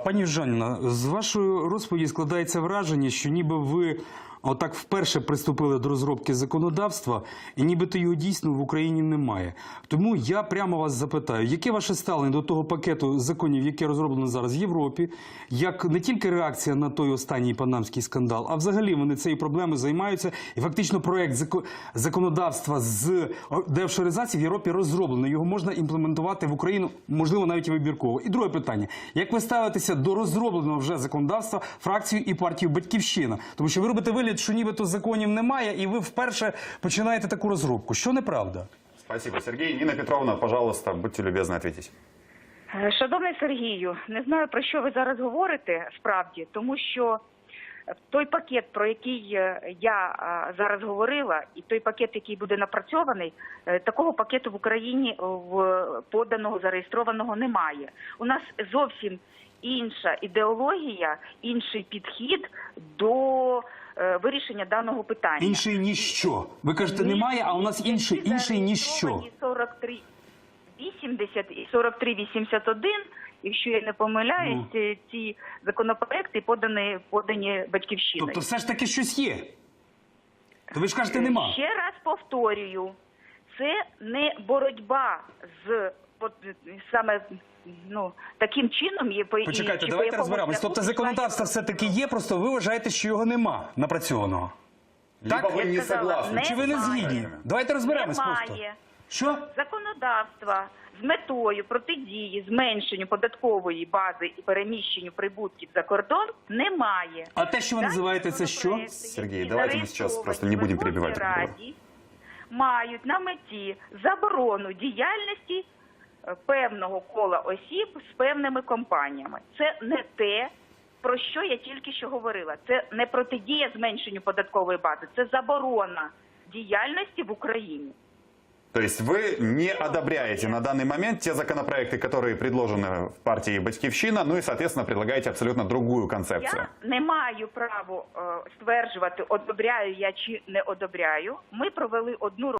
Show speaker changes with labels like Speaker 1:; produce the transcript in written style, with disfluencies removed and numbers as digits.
Speaker 1: Пані Жаніна, з вашої розповіді складається враження, що ніби ви отак вперше приступили до розробки законодавства, і нібито його дійсно в Україні немає. Тому я прямо вас запитаю, яке ваше ставлення до того пакету законів, яке розроблено зараз в Європі, як не тільки реакція на той останній панамський скандал, а взагалі вони цією проблемою займаються, і фактично проєкт законодавства з деофшоризації в Європі розроблений, його можна імплементувати в Україну, можливо, навіть і вибірково. І друге питання, як ви ставитеся до розробленого вже законодавства фракцією і партією «Батьківщина»? Тому що ви робите вигляд, що нібито законів немає, і ви вперше починаєте таку розробку. Що неправда?
Speaker 2: Спасибо, Сергій. Ніна Петровна, пожалуйста, будьте любезні, відповідь.
Speaker 3: Шановний Сергію, не знаю, про що ви зараз говорите, справді, тому що той пакет, про який я зараз говорила, і той пакет, який буде напрацьований, такого пакету в Україні поданого, зареєстрованого немає. У нас зовсім інша ідеологія, інший підхід до вирішення даного питання.
Speaker 1: Інший ніщо. Ви кажете, немає, а у нас інший ніщо.
Speaker 3: 4380 і 4381, якщо я не помиляюсь, ці законопроекти подані «Батьківщиною».
Speaker 1: Тобто все ж таки щось є? То ви ж кажете, нема.
Speaker 3: Ще раз повторюю, це не боротьба з саме таким чином.
Speaker 1: Почекайте, давайте розберемось. Тобто законодавство все-таки є, просто ви вважаєте, що його нема напрацьованого.
Speaker 2: Так? Ви не согласні.
Speaker 1: Чи ви не згідні? Давайте розберемось просто. Що?
Speaker 3: Законодавства з метою протидії зменшенню податкової бази і переміщенню прибутків за кордон немає.
Speaker 1: А те, що ви називаєте, це що?
Speaker 2: Сергій, давайте ми зараз просто не будемо перебивати.
Speaker 3: Раді мають на меті заборону діяльності певного кола осіб з певними компаніями. Це не те, про що я тільки що говорила. Це не протидія зменшенню податкової бази, це заборона діяльності в Україні.
Speaker 2: То есть вы не одобряете на данный момент те законопроекты, которые предложены в партии «Батьківщина», ну и, соответственно, предлагаете абсолютно другую концепцию.
Speaker 3: Я не маю права стверджувати, одобряю я чи не одобряю. Ми провели одну